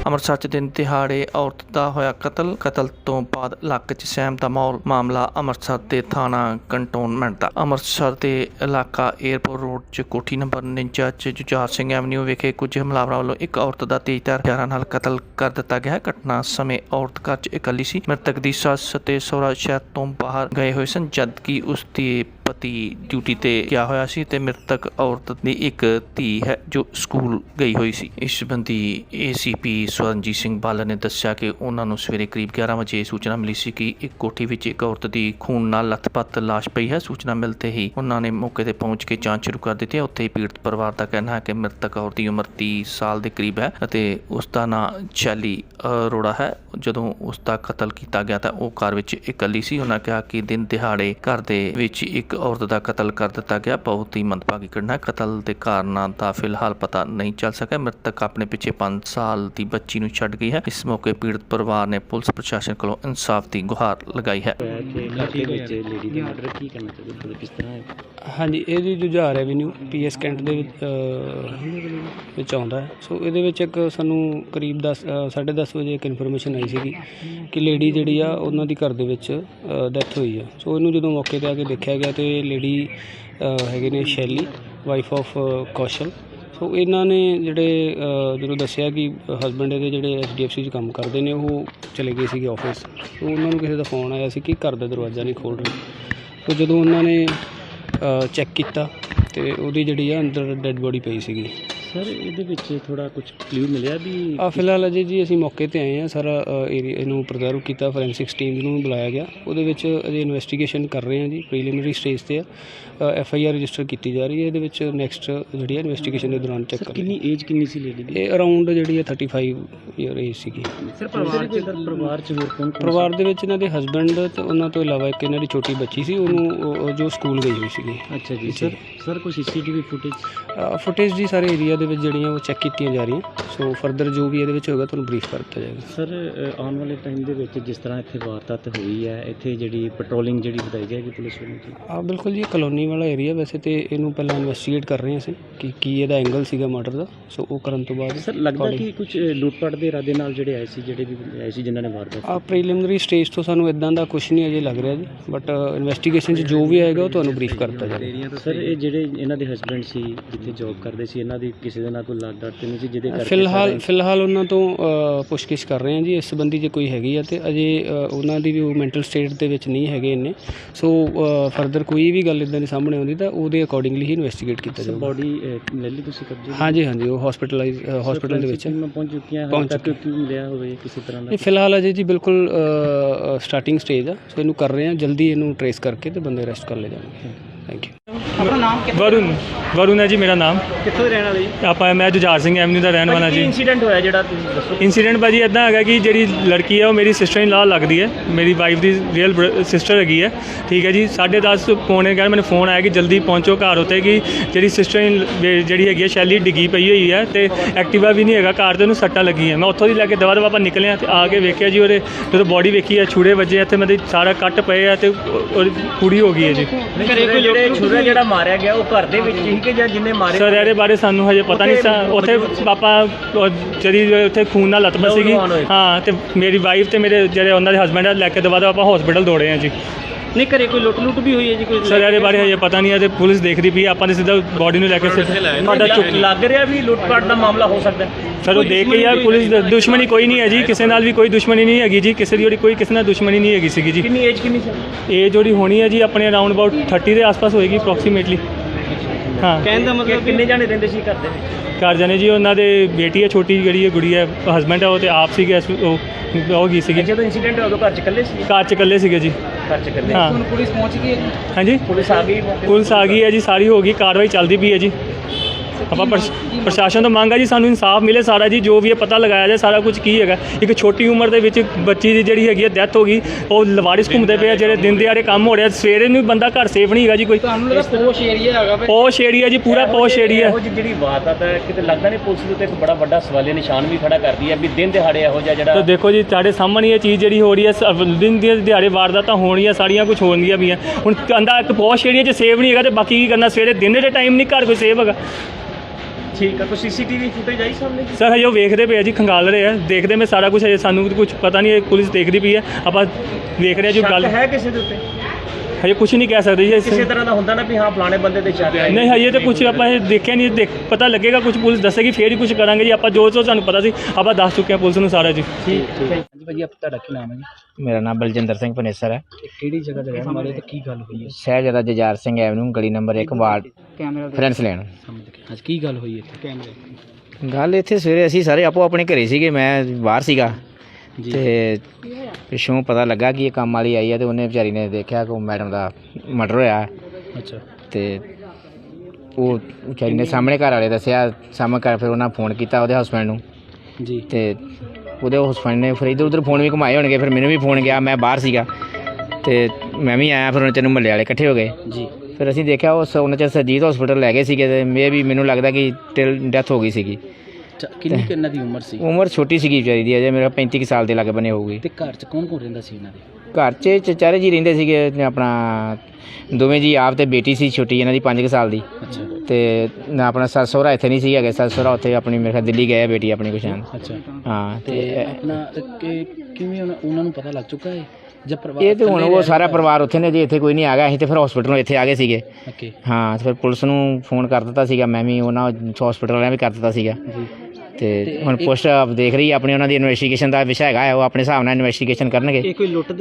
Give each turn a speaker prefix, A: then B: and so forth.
A: ਅੰਮ੍ਰਿਤਸਰ 'ਚ ਦਿਨ ਦਿਹਾੜੇ ਔਰਤ ਦਾ ਹੋਇਆ ਕਤਲ ਤੋਂ ਬਾਅਦ ਇਲਾਕੇ 'ਚ ਸਹਿਮ ਦਾ ਮਾਮਲਾ ਅੰਮ੍ਰਿਤਸਰ ਦੇ ਥਾਣਾ ਕੰਟੋਨਮੈਂਟ ਦਾ। ਅੰਮ੍ਰਿਤਸਰ ਦੇ ਇਲਾਕਾ ਏਅਰਪੋਰਟ ਰੋਡ 'ਚ ਕੋਠੀ ਨੰਬਰ 49 'ਚ ਜੁਝਾਰ ਸਿੰਘ ਐਵਨਿਊ ਵਿਖੇ ਕੁਝ ਹਮਲਾਵਰਾਂ ਵੱਲੋਂ ਇੱਕ ਔਰਤ ਦਾ ਤੇਜ਼ਧਾਰ ਹਥਿਆਰਾਂ ਨਾਲ ਕਤਲ ਕਰ ਦਿੱਤਾ ਗਿਆ ਹੈ। ਘਟਨਾ ਸਮੇਂ ਔਰਤ ਘਰ 'ਚ ਇਕੱਲੀ ਸੀ। ਮ੍ਰਿਤਕ ਦੀ ਸੱਸ ਅਤੇ ਸਹੁਰਾ ਸ਼ਹਿਰ ਤੋਂ ਬਾਹਰ ਗਏ ਹੋਏ ਸਨ, ਜਦਕਿ ਉਸ ਦੀ ਪਤੀ ਡਿਊਟੀ ਤੇ ਗਿਆ ਹੋਇਆ ਸੀ ਤੇ ਮ੍ਰਿਤਕ ਔਰਤ ਦੀ ਇੱਕ ਧੀ ਹੈ ਜੋ ਸਕੂਲ ਗਈ ਹੋਈ ਸੀ। ਇਸ ਸੰਬੰਧੀ ACP ਸਵਰਨਜੀਤ ਸਿੰਘ ਬਾਲਾ ਨੇ ਦੱਸਿਆ ਕਿ ਉਹਨਾਂ ਨੂੰ ਸਵੇਰੇ ਕਰੀਬ 11 ਵਜੇ ਸੂਚਨਾ ਮਿਲੀ ਸੀ ਕਿ ਇੱਕ ਕੋਠੀ ਵਿੱਚ ਇੱਕ ਔਰਤ ਦੀ ਖੂਨ ਨਾਲ ਲੱਥਪੱਥ ਲਾਸ਼ ਪਈ ਹੈ। ਸੂਚਨਾ ਮਿਲਦੇ ਹੀ ਉਹਨਾਂ ਨੇ ਮੌਕੇ ਤੇ ਪਹੁੰਚ ਕੇ ਜਾਂਚ ਸ਼ੁਰੂ ਕਰ ਦਿੱਤੀ ਹੈ। ਉੱਥੇ ਹੀ ਪੀੜਤ ਪਰਿਵਾਰ ਦਾ ਕਹਿਣਾ ਹੈ ਕਿ ਮ੍ਰਿਤਕ ਔਰਤ ਦੀ ਉਮਰ 30 ਸਾਲ ਦੇ ਕਰੀਬ ਹੈ ਅਤੇ ਉਸ ਦਾ ਨਾਂ ਸ਼ੈਲੀ ਅਰੋੜਾ ਹੈ। ਜਦੋਂ ਉਸ ਦਾ ਕਤਲ ਕੀਤਾ ਗਿਆ ਤਾਂ ਉਹ ਘਰ ਵਿੱਚ ਇਕੱਲੀ ਸੀ। ਉਹਨਾਂ ਕਿਹਾ ਕਿ ਦਿਨ ਦਿਹਾੜੇ ਘਰ ਦੇ ਵਿੱਚ ਇੱਕ ਔਰਤ ਦਾ ਕਤਲ ਕਰ ਦਿੱਤਾ ਗਿਆ। ਬਹੁਤ ਹੀ ਮੰਦਭਾਗੀ ਘਟਨਾ ਹੈ। ਕਤਲ ਦੇ ਕਾਰਨਾਂ ਦਾ ਫਿਲਹਾਲ ਪਤਾ ਨਹੀਂ ਚੱਲ ਸਕਿਆ। ਮ੍ਰਿਤਕ ਆਪਣੇ ਪਿੱਛੇ 5 ਸਾਲ ਦੀ ਬੱਚੀ ਨੂੰ ਛੱਡ ਗਈ ਹੈ। ਇਸ ਮੌਕੇ ਪੀੜਤ ਪਰਿਵਾਰ ਨੇ ਪੁਲਿਸ ਪ੍ਰਸ਼ਾਸਨ ਕੋਲੋਂ ਇਨਸਾਫ ਦੀ ਗੁਹਾਰ ਲਗਾਈ ਹੈ।
B: ਹਾਂਜੀ, ਇਹਦੀ ਜੁਝਾਰ ਐਵਨਿਊ PS ਕੈਂਟ ਦੇ ਵਿੱਚ ਆਉਂਦਾ ਹੈ। ਸੋ ਇਹਦੇ ਵਿੱਚ ਇੱਕ ਸਾਨੂੰ ਕਰੀਬ 10:30 ਵਜੇ ਇੱਕ ਇਨਫੋਰਮੇਸ਼ਨ ਆਈ ਸੀਗੀ ਕਿ ਲੇਡੀ ਜਿਹੜੀ ਆ ਉਹਨਾਂ ਦੀ ਘਰ ਦੇ ਵਿੱਚ ਡੈਥ ਹੋਈ ਆ। ਸੋ ਇਹਨੂੰ ਜਦੋਂ ਮੌਕੇ 'ਤੇ ਆ ਕੇ ਦੇਖਿਆ ਗਿਆ ਤੇ ਲੇਡੀ ਹੈਗੇ ਨੇ ਸ਼ੈਲੀ, ਵਾਈਫ ਆਫ ਕੌਸ਼ਲ। ਸੋ ਇਹਨਾਂ ਨੇ ਜਿਹੜੇ ਜਦੋਂ ਦੱਸਿਆ ਕਿ ਹਸਬੈਂਡ ਇਹਦੇ ਜਿਹੜੇ HDFC 'ਚ ਕੰਮ ਕਰਦੇ ਨੇ ਉਹ ਚਲੇ ਗਏ ਸੀਗੇ ਆਫਿਸ। ਸੋ ਉਹਨਾਂ ਨੂੰ ਕਿਸੇ ਦਾ ਫੋਨ ਆਇਆ ਸੀ ਕਿ ਘਰ ਦਾ ਦਰਵਾਜ਼ਾ ਨਹੀਂ ਖੋਲ੍ਹ ਰਹੇ। ਸੋ ਜਦੋਂ ਉਹਨਾਂ ਨੇ ਚੈੱਕ ਕੀਤਾ ਤੇ ਉਹਦੀ ਜਿਹੜੀ ਆ ਅੰਦਰ ਡੈੱਡ ਬੋਡੀ ਪਈ ਸੀਗੀ।
C: ਸਰ ਇਹਦੇ ਵਿੱਚ ਥੋੜਾ ਕੁਝ ਕਲੂ ਮਿਲਿਆ ਵੀ?
B: ਫਿਲਹਾਲ ਅਜੇ ਜੀ ਅਸੀਂ ਮੌਕੇ 'ਤੇ ਆਏ ਹਾਂ। ਸਾਰਾ ਏਰੀਆ ਇਹਨੂੰ ਪ੍ਰੀਜ਼ਰਵ ਕੀਤਾ, ਫੋਰੈਂਸਿਕਸ ਟੀਮ ਨੂੰ ਬੁਲਾਇਆ ਗਿਆ। ਉਹਦੇ ਵਿੱਚ ਅਜੇ ਇਨਵੈਸਟੀਗੇਸ਼ਨ ਕਰ ਰਹੇ ਹਾਂ ਜੀ, ਪ੍ਰੀਲਿਮਿਨਰੀ ਸਟੇਜ 'ਤੇ ਆ। FIR ਰਜਿਸਟਰ ਕੀਤੀ ਜਾ ਰਹੀ ਹੈ। ਇਹਦੇ ਵਿੱਚ ਨੈਕਸਟ ਜਿਹੜੀ ਹੈ ਇਨਵੈਸਟੀਗੇਸ਼ਨ ਦੇ ਦੌਰਾਨ ਚੈੱਕ ਕਰ।
C: ਕਿੰਨੀ ਏਜ ਕਿੰਨੀ ਸੀ ਲੇਡੀ ਦੀ?
B: ਇਹ ਅਰਾਊਂਡ ਜਿਹੜੀ ਹੈ 35 ਈਅਰ ਏਜ ਸੀਗੀ।
C: ਸਰ ਪਰਿਵਾਰ 'ਚ ਹੋਰ ਕੌਣ?
B: ਪਰਿਵਾਰ ਦੇ ਵਿੱਚ ਇਹਨਾਂ ਦੇ ਹਸਬੈਂਡ ਤੇ ਉਹਨਾਂ ਤੋਂ ਇਲਾਵਾ ਇੱਕ ਇਹਨਾਂ ਦੀ ਛੋਟੀ ਬੱਚੀ ਸੀ, ਉਹਨੂੰ ਜੋ ਸਕੂਲ ਗਈ ਹੋਈ ਸੀਗੀ।
C: ਅੱਛਾ ਜੀ। ਸਰ ਕੋਈ CCTV
B: ਫੁਟੇਜ ਦੀ ਸਾਰੇ ਏਰੀਆ ਦੇ ਵਿੱਚ ਜਿਹੜੀਆਂ ਉਹ ਚੈੱਕ ਕੀਤੀਆਂ ਜਾ ਰਹੀਆਂ। ਸੋ ਫਰਦਰ ਜੋ ਵੀ ਇਹਦੇ ਵਿੱਚ ਹੋਏਗਾ ਤੁਹਾਨੂੰ ਬਰੀਫ ਕਰ ਦਿੱਤਾ ਜਾਏਗਾ।
C: ਸਰ ਆਉਣ ਵਾਲੇ ਟਾਈਮ ਦੇ ਵਿੱਚ ਜਿਸ ਤਰ੍ਹਾਂ ਇੱਥੇ ਵਾਰਦਾਤ ਹੋਈ ਹੈ, ਇੱਥੇ ਜਿਹੜੀ ਪੈਟਰੋਲਿੰਗ ਜਿਹੜੀ ਵਧਾਈ ਜਾਏਗੀ ਪੁਲਿਸ ਵੱਲੋਂ?
B: ਬਿਲਕੁਲ ਜੀ, ਕਲੋਨੀ ਵਾਲਾ ਏਰੀਆ ਵੈਸੇ ਤੇ ਇਹਨੂੰ ਪਹਿਲਾਂ ਇਨਵੈਸਟੀਗੇਟ ਕਰ ਰਹੇ ਅਸੀਂ ਕਿ ਕੀ ਇਹਦਾ ਐਂਗਲ ਸੀਗਾ ਮਰਡਰ ਦਾ। ਸੋ ਉਹ ਕਰਨ ਤੋਂ ਬਾਅਦ
C: ਸਰ ਲੱਗਦਾ ਕਿ ਕੁਝ ਲੁੱਟਪਾਟ ਦੇ ਇਰਾਦੇ ਨਾਲ ਜਿਹੜੇ ਆਏ ਸੀ ਜਿਨ੍ਹਾਂ ਨੇ ਵਾਰਦਾਤ?
B: ਪ੍ਰੀਲਿਮਿਨਰੀ ਸਟੇਜ ਤੋਂ ਸਾਨੂੰ ਇਦਾਂ ਦਾ ਕੁਝ ਨਹੀਂ ਅਜੇ ਲੱਗ ਰਿਹਾ ਜੀ, ਬਟ ਇਨਵੈਸਟੀਗੇਸ਼ਨ 'ਚ ਜੋ ਵੀ ਆਏਗਾ ਉਹ ਤੁਹਾਨੂੰ ਬਰੀਫ ਕਰ ਦਿੱਤਾ ਜਾਏਗਾ।
C: ਸਰ ਇਹ ਜਿਹੜੇ ਇਹਨਾਂ ਦੇ ਹਸਬੈਂਡ ਸੀ ਜਿੱਥੇ ਜੌਬ ਕਰਦੇ ਸੀ, ਇਹਨਾਂ ਦੀ ਕਿਸੇ ਦੇ ਨਾਲ ਕੋਈ ਲੱਗ ਡਾਟ ਤੇ ਨਹੀਂ ਸੀ ਜਿਹਦੇ ਕਰਕੇ?
B: ਫਿਲਹਾਲ ਉਹਨਾਂ ਤੋਂ ਪੁੱਛਗਿੱਛ ਕਰ ਰਹੇ ਹਾਂ ਜੀ। ਇਸ ਸੰਬੰਧੀ ਜੇ ਕੋਈ ਹੈਗੀ ਆ ਤੇ ਅਜੇ ਉਹਨਾਂ ਦੀ ਵੀ ਉਹ ਮੈਂਟਲ ਸਟੇਟ ਦੇ ਵਿੱਚ ਨਹੀਂ ਹੈਗੇ ਇੰਨੇ। ਸੋ ਫਰਦਰ ਕੋਈ ਵੀ ਗੱਲ ਇੱਦਾਂ ਦੀ ਸਾਹਮਣੇ ਆਉਂਦੀ ਤਾਂ ਉਹਦੇ ਅਕੋਰਡਿੰਗਲੀ ਹੀ ਇਨਵੈਸਟੀਗੇਟ ਕੀਤਾ ਜਾਊਗਾ।
C: ਬੋਡੀ ਲੈ ਲਈ ਤੁਸੀਂ ਕਬਜ਼ੇ?
B: ਹਾਂਜੀ, ਉਹ ਹਸਪੀਟਲ ਦੇ ਵਿੱਚ
C: ਪਹੁੰਚ ਚੁੱਕੀਆਂ। ਹੁਣ ਤੱਕ ਕੀ ਮਿਲਿਆ ਹੋਵੇ ਕਿਸੇ ਤਰ੍ਹਾਂ ਦਾ?
B: ਫਿਲਹਾਲ ਅਜੇ ਜੀ ਬਿਲਕੁਲ ਸਟਾਰਟਿੰਗ ਸਟੇਜ ਆ। ਸੋ ਇਹਨੂੰ ਕਰ ਰਹੇ ਹਾਂ, ਜਲਦੀ ਇਹਨੂੰ ਟਰੇਸ ਕਰਕੇ ਤੇ ਬੰਦੇ ਅਰੈਸਟ ਕਰ ਲਏ ਜਾਣਗੇ। Thank you.
C: ਆਪਣਾ ਨਾਮ?
D: ਵਰੁਣ ਹੈ ਜੀ ਮੇਰਾ ਨਾਮ।
C: ਕਿੱਥੋਂ ਦੇ ਰਹਿਣ ਵਾਲੇ ਜੀ?
D: ਮੈਂ ਜੁਝਾਰ ਸਿੰਘ ਐਵਨਿਊ ਦਾ ਰਹਿਣ ਵਾਲਾ ਜੀ।
C: ਇੰਸੀਡੈਂਟ ਹੋਇਆ ਜਿਹੜਾ ਤੁਸੀਂ ਦੱਸੋ?
D: ਇੰਸੀਡੈਂਟ ਭਾਜੀ ਇੱਦਾਂ ਹੈਗਾ ਕਿ ਜਿਹੜੀ ਲੜਕੀ ਹੈ ਉਹ ਮੇਰੀ ਸਿਸਟਰ ਇਨ ਲਾ ਲੱਗਦੀ ਹੈ, ਮੇਰੀ ਵਾਈਫ ਦੀ ਰੀਅਲ ਸਿਸਟਰ ਹੈਗੀ ਹੈ। ਠੀਕ ਹੈ ਜੀ, 10:30 ਪੌਣੇ ਘਰ ਮੈਨੂੰ ਫੋਨ ਆਇਆ ਕਿ ਜਲਦੀ ਪਹੁੰਚੋ ਘਰ ਉੱਤੇ ਕਿ ਜਿਹੜੀ ਸਿਸਟਰ ਇਨ ਜਿਹੜੀ ਹੈਗੀ ਹੈ ਸ਼ੈਲੀ ਡਿੱਗੀ ਪਈ ਹੋਈ ਹੈ ਤੇ ਐਕਟਿਵਾ ਵੀ ਨਹੀਂ ਹੈਗਾ ਘਰ ਤੇ ਉਹਨੂੰ ਸੱਟਾਂ ਲੱਗੀਆਂ। ਮੈਂ ਉੱਥੋਂ ਦੀ ਲੈ ਕੇ ਦਵਾ ਆਪਾਂ ਨਿਕਲੇ ਤੇ ਆ ਕੇ ਵੇਖਿਆ ਜੀ ਉਹਦੇ ਜਦੋਂ ਬੋਡੀ ਵੇਖੀ ਹੈ ਛੁਰੇ ਵੱਜੇ ਇੱਥੇ ਮੇਰੇ ਸਾਰਾ ਕੱਟ ਪਏ ਆ ਤੇ ਪੂਰੀ ਹੋ ਗਈ ਹੈ ਜੀ।
C: ਛੁਰਾ ਜਿਹੜਾ ਮਾਰਿਆ ਗਿਆ ਉਹ ਘਰ ਦੇ ਵਿੱਚ ਹੀ ਕਿ ਜਾਂ ਜਿੰਨੇ ਮਾਰੇ?
D: ਸਰ ਇਹਦੇ ਬਾਰੇ ਸਾਨੂੰ ਹਜੇ ਪਤਾ ਨਹੀਂ ਸਰ। ਉੱਥੇ ਪਾਪਾ ਜਿਹੜੀ ਉੱਥੇ ਖੂਨ ਨਾਲ ਲੱਤਪੱਤ ਸੀਗੀ। ਹਾਂ, ਤੇ ਮੇਰੀ ਵਾਈਫ ਤੇ ਮੇਰੇ ਜਿਹੜੇ ਉਹਨਾਂ ਦੇ ਹਸਬੈਂਡ ਲੈ ਕੇ ਦਵਾ ਆਪਾਂ ਹਸਪੀਟਲ ਦੌੜੇ ਹਾਂ ਜੀ।
C: ਨਹੀਂ ਘਰੇ ਕੋਈ ਲੁੱਟ ਵੀ ਹੋਈ ਹੈ ਜੀ ਕੋਈ?
D: ਸਰ ਇਹਦੇ ਬਾਰੇ ਹਜੇ ਪਤਾ ਨਹੀਂ ਹੈ ਤੇ ਪੁਲਿਸ ਦੇਖ ਰਹੀ ਪਈ। ਆਪਾਂ ਨੇ ਸਿੱਧਾ ਬੋਡੀ ਨੂੰ ਲੈ ਕੇ
C: ਸਾਡਾ ਲੱਗ ਰਿਹਾ ਵੀ ਲੁੱਟਪਾਟ ਦਾ ਮਾਮਲਾ ਹੋ ਸਕਦਾ?
D: ਸਰ ਉਹ ਦੇਖ ਕੇ ਯਾਰ ਪੁਲਿਸ ਦੁਸ਼ਮਣੀ ਕੋਈ ਨਹੀਂ ਹੈ ਜੀ, ਕਿਸੇ ਨਾਲ ਵੀ ਕੋਈ ਦੁਸ਼ਮਣੀ ਨਹੀਂ ਹੈਗੀ ਜੀ, ਕਿਸੇ ਦੀ ਕੋਈ ਕਿਸੇ ਨਾਲ ਦੁਸ਼ਮਣੀ ਨਹੀਂ ਹੈਗੀ ਸੀਗੀ ਜੀ।
C: ਕਿੰਨੀ ਏਜ ਕਿੰਨੀ ਸੀ?
D: ਏਜ ਜਿਹੜੀ ਹੋਣੀ ਹੈ ਜੀ ਆਪਣੇ ਅਰਾਊਂਡ ਅਬਾਊਟ 30 ਦੇ ਆਸ-ਪਾਸ ਹੋਏਗੀ ਅਪਰੋਕਸੀਮੇਟਲੀ। ਹਾਂ,
C: ਕਹਿਣ ਦਾ ਮਤਲਬ ਕਿੰਨੇ ਜਾਣੇ ਰਹਿੰਦੇ ਸੀ ਘਰ ਦੇ ਵਿੱਚ?
D: ਘਰ ਜਾਣੇ ਜੀ ਉਹਨਾਂ ਦੇ ਬੇਟੀ ਹੈ ਛੋਟੀ ਜਿਹੜੀ ਹੈ ਗੁੜੀ ਹੈ, ਹਸਬੈਂਡ ਹੈ ਉਹ ਤੇ ਆਪ ਸੀਗੇ। ਉਹ ਗਈ ਸੀਗੀ
C: ਜਦੋਂ ਇੰਸੀਡੈਂਟ ਹੋਇਆ ਘਰ 'ਚ ਇਕੱਲੇ ਸੀ?
D: ਘਰ 'ਚ ਇਕੱਲੇ ਸੀਗੇ ਜੀ।
C: ਘਰ 'ਚ ਇਕੱਲੇ।
D: ਹਾਂ।
C: ਹੁਣ ਪੁਲਿਸ ਪਹੁੰਚ ਗਈ ਹੈ ਜੀ?
D: ਹਾਂਜੀ,
C: ਪੁਲਿਸ ਆ ਗਈ?
D: ਪੁਲਿਸ ਆ ਗਈ ਹੈ ਜੀ, ਸਾਰੀ ਹੋ ਗਈ, ਕਾਰਵਾਈ ਚੱਲਦੀ ਪਈ ਹੈ ਜੀ। ਆਪਾਂ ਪ੍ਰਸ਼ਾਸਨ ਤੋਂ ਮੰਗ ਹੈ ਜੀ ਸਾਨੂੰ ਇਨਸਾਫ ਮਿਲੇ ਸਾਰਾ ਜੀ, ਜੋ ਵੀ ਇਹ ਪਤਾ ਲਗਾਇਆ ਜਾਏ ਸਾਰਾ ਕੁਝ ਕੀ ਹੈਗਾ। ਇੱਕ ਛੋਟੀ ਉਮਰ ਦੇ ਵਿੱਚ ਬੱਚੀ ਦੀ ਜਿਹੜੀ ਹੈਗੀ ਹੈ ਡੈਥ ਹੋ ਗਈ, ਉਹ ਲਵਾਰਿਸ ਘੁੰਮਦੇ ਪਏ ਆ ਜਿਹੜੇ ਦਿਨ ਦਿਹਾੜੇ ਕੰਮ ਹੋ ਰਿਹਾ, ਸਵੇਰੇ ਨੂੰ ਬੰਦਾ ਘਰ ਸੇਫ ਨਹੀਂ ਹੈਗਾ ਜੀ ਕੋਈ।
C: ਤੁਹਾਨੂੰ ਲੱਗਦਾ ਪੋਸ਼ ਏਰੀਆ ਹੈਗਾ?
D: ਪੋਸ਼ ਏਰੀਆ ਜੀ, ਪੂਰਾ ਪੋਸ਼ ਏਰੀਆ।
C: ਇਹੋ ਜਿਹੜੀ ਵਾਰਦਾਤ ਹੈ ਕਿਤੇ ਲੱਗਦਾ ਨਹੀਂ ਪੁਲਿਸ ਦੇ ਉੱਤੇ ਇੱਕ ਬੜਾ ਵੱਡਾ ਸਵਾਲੀਆ ਨਿਸ਼ਾਨ ਵੀ ਖੜਾ ਕਰਦੀ ਹੈ ਵੀ ਦਿਨ ਦਿਹਾੜੇ ਇਹੋ ਜਿਹਾ ਜਿਹੜਾ?
D: ਤਾਂ ਦੇਖੋ ਜੀ ਤੁਹਾਡੇ ਸਾਹਮਣੇ ਇਹ ਚੀਜ਼ ਜਿਹੜੀ ਹੋ ਰਹੀ ਹੈ, ਦਿਨ ਦੇ ਦਿਹਾੜੇ ਵਾਰਦਾਤਾਂ ਹੋਣੀਆਂ ਸਾਰੀਆਂ ਕੁਝ ਹੋਣਗੀਆਂ ਵੀ ਆ। ਹੁਣ ਕਹਿੰਦਾ ਇੱਕ ਪੋਸ਼ ਏਰੀਆ 'ਚ ਸੇਫ ਨਹੀਂ ਹੈਗਾ ਤੇ ਬਾਕੀ ਕੀ ਕਰਨਾ? ਸਵੇਰੇ ਦਿਨ ਦੇ ਟਾਈਮ ਨਹੀਂ ਘਰ ਕੋਈ ਸੇਫ ਹੈਗਾ।
C: ਠੀਕ ਹੈ, ਕੋਈ ਸੀਸੀਟੀਵੀ ਫੁਟੇਜ ਆਈ ਸਾਹਮਣੇ?
D: ਸਰ ਹਜੇ ਉਹ ਵੇਖਦੇ ਪਏ ਆ ਜੀ, ਖੰਗਾਲ ਰਹੇ ਆ, ਦੇਖਦੇ ਮੈਂ ਸਾਰਾ ਕੁਝ, ਹਜੇ ਸਾਨੂੰ ਕੁਝ ਪਤਾ ਨਹੀਂ ਹੈ, ਪੁਲਿਸ ਦੇਖਦੀ ਪਈ ਹੈ, ਆਪਾਂ ਵੇਖ ਰਹੇ ਆ ਜੋ ਗੱਲ
C: ਹੈ ਕਿਸੇ ਦੇ ਉੱਤੇ?
D: ਹਜੇ ਕੁਝ ਨਹੀਂ ਕਹਿ ਸਕਦੇ ਜੀ
C: ਕਿਸੇ ਤਰ੍ਹਾਂ ਦਾ ਹੁੰਦਾ ਨਾ ਵੀ ਹਾਂ ਫਲਾਣੇ ਬੰਦੇ ਦੇ ਸ਼ੱਕ ਹੈ?
D: ਨਹੀਂ ਹਜੇ ਤਾਂ ਕੁਝ ਆਪਾਂ ਇਹ ਦੇਖਿਆ ਨਹੀਂ, ਪਤਾ ਲੱਗੇਗਾ, ਕੁਝ ਪੁਲਿਸ ਦੱਸੇਗੀ ਫੇਰ ਹੀ ਕੁਝ ਕਰਾਂਗੇ ਜੀ। ਆਪਾਂ ਜੋ ਸਾਨੂੰ ਪਤਾ ਸੀ ਆਪਾਂ ਦੱਸ ਚੁੱਕੇ ਹਾਂ ਪੁਲਿਸ ਨੂੰ ਸਾਰਾ ਜੀ।
C: ਠੀਕ ਹੈ ਜੀ। ਭਾਜੀ ਆਪ ਤੁਹਾਡਾ ਕੀ ਨਾਮ ਹੈ ਜੀ?
E: ਮੇਰਾ ਨਾਮ ਬਲਜਿੰਦਰ ਸਿੰਘ ਪਨੇਸਰ ਹੈ।
C: ਕਿਹੜੀ ਜਗ੍ਹਾ ਤੇ ਰਹਿਣ ਵਾਲੇ ਤੇ ਕੀ ਗੱਲ ਹੋਈ ਹੈ?
E: ਸ਼ਹਿਜ਼ਾਦਾ ਜਜਾਰ ਸਿੰਘ ਐਵਨਿਊ ਗਲੀ ਨੰਬਰ 1 ਵਾਰਡ ਫਰੈਂਡਸ ਲੈਣ।
C: ਅੱਜ ਕੀ ਗੱਲ ਹੋਈ ਇੱਥੇ? ਕੈਮਰੇ
E: ਗੱਲ ਇੱਥੇ ਸਵੇਰੇ ਅਸੀਂ ਸਾਰੇ ਆਪੋ ਆਪਣੇ ਘਰੇ ਸੀਗੇ, ਮੈਂ ਬਾਹਰ ਸੀਗਾ ਤੇ ਪਿੱਛੋਂ ਪਤਾ ਲੱਗਾ ਕਿ ਇਹ ਕੰਮ ਵਾਲੀ ਆਈ ਹੈ ਤੇ ਉਹਨੇ ਵਿਚਾਰੀ ਨੇ ਦੇਖਿਆ ਕਿ ਉਹ ਮੈਡਮ ਦਾ ਮਰਡਰ ਹੋਇਆ।
C: ਅੱਛਾ।
E: ਤੇ ਉਹ ਵਿਚਾਰੀ ਨੇ ਸਾਹਮਣੇ ਘਰ ਵਾਲੇ ਦੱਸਿਆ, ਸਾਹਮਣੇ ਘਰ ਫਿਰ ਉਹਨਾਂ ਫੋਨ ਕੀਤਾ ਉਹਦੇ ਹਸਬੈਂਡ ਨੂੰ
C: ਜੀ
E: ਤੇ ਉਹਦੇ ਹਸਬੈਂਡ ਨੇ ਫਿਰ ਇੱਧਰ ਉੱਧਰ ਫੋਨ ਵੀ ਘੁਮਾਏ ਹੋਣਗੇ, ਫਿਰ ਮੈਨੂੰ ਵੀ ਫੋਨ ਗਿਆ, ਮੈਂ ਬਾਹਰ ਸੀਗਾ ਤੇ ਮੈਂ ਵੀ ਆਇਆ, ਫਿਰ ਉਹਨਾਂ ਚੰਨ ਮਹੱਲੇ ਵਾਲੇ ਇਕੱਠੇ ਹੋ ਗਏ
C: ਜੀ।
E: ਫਿਰ ਅਸੀਂ ਦੇਖਿਆ ਉਹਨਾਂ 'ਚ ਸਰਜੀਤ ਹਸਪੀਟਲ ਲੈ ਗਏ ਸੀਗੇ ਤੇ ਮੈਨੂੰ ਲੱਗਦਾ ਕਿ ਟਿਲ ਡੈਥ ਹੋ ਗਈ ਸੀਗੀ।
C: ਕਿੰਨੀ ਕਿੰਨਾ ਦੀ ਉਮਰ ਸੀ?
E: ਉਮਰ ਛੋਟੀ ਸੀਗੀ ਵਿਚਾਰੀ ਦੀ, ਅਜੇ ਮੇਰਾ 35 ਸਾਲ ਦੇ ਲੱਗ ਬਣੇ ਹੋਊਗੀ।
C: ਤੇ ਘਰ 'ਚ ਕੌਣ ਕੌਣ ਰਹਿੰਦਾ ਸੀ ਇਹਨਾਂ ਦੇ?
E: ਘਰ 'ਚ ਚਚਾਰੇ ਜੀ ਰਹਿੰਦੇ ਸੀਗੇ, ਤੇ ਆਪਣਾ ਦੋਵੇਂ ਜੀ ਆਪ ਤੇ ਬੇਟੀ ਸੀ ਛੋਟੀ ਇਹਨਾਂ ਦੀ 5 ਸਾਲ ਦੀ।
C: ਅੱਛਾ।
E: ਤੇ ਨਾ ਆਪਣਾ ਸੱਸ ਸਹੁਰਾ ਇੱਥੇ ਨਹੀਂ ਸੀ ਹੈਗੇ, ਸੱਸ ਸਹੁਰਾ ਉੱਥੇ ਆਪਣੀ ਮੇਰੇ ਖਿਆਲ ਦਿੱਲੀ ਗਏ ਆ ਬੇਟੀ ਆਪਣੀ ਕੁਛ।
C: ਅੱਛਾ।
E: ਹਾਂ
C: ਤੇ ਆਪਣਾ ਕਿਵੇਂ ਉਹਨਾਂ ਨੂੰ ਪਤਾ ਲੱਗ ਚੁੱਕਾ ਹੈ ਜਾਂ ਪਰਿਵਾਰ?
E: ਇਹ ਤੇ ਹੁਣ ਉਹ ਸਾਰਾ ਪਰਿਵਾਰ ਉੱਥੇ ਨੇ ਜੀ, ਇੱਥੇ ਕੋਈ ਨਹੀਂ ਆ ਗਿਆ। ਅਸੀਂ ਤੇ ਫਿਰ ਹਸਪੀਟਲੋਂ ਇੱਥੇ ਆ ਗਏ ਸੀਗੇ।
C: ਓਕੇ।
E: ਹਾਂ ਫਿਰ ਪੁਲਿਸ ਨੂੰ ਫੋਨ ਕਰ ਦਿੱਤਾ ਸੀਗਾ, ਮੈਂ ਵੀ ਉਹਨਾਂ ਹਸਪੀਟਲ ਵਾਲਿਆਂ ਵੀ ਕਰ ਦਿੱਤਾ ਸੀਗਾ।
C: ਜੀ।
E: ਤੇ ਹੁਣ ਪੁਲਿਸ ਦੇਖ ਰਹੀ ਆਪਣੀ, ਉਹਨਾਂ ਦੀ ਇਨਵੈਸਟੀਗੇਸ਼ਨ ਦਾ ਵਿਸ਼ਾ ਹੈਗਾ, ਉਹ ਆਪਣੇ ਹਿਸਾਬ ਨਾਲ ਇਨਵੈਸਟੀਗੇਸ਼ਨ ਕਰਨਗੇ।
C: ਇਹ ਕੋਈ ਲੁੱਟ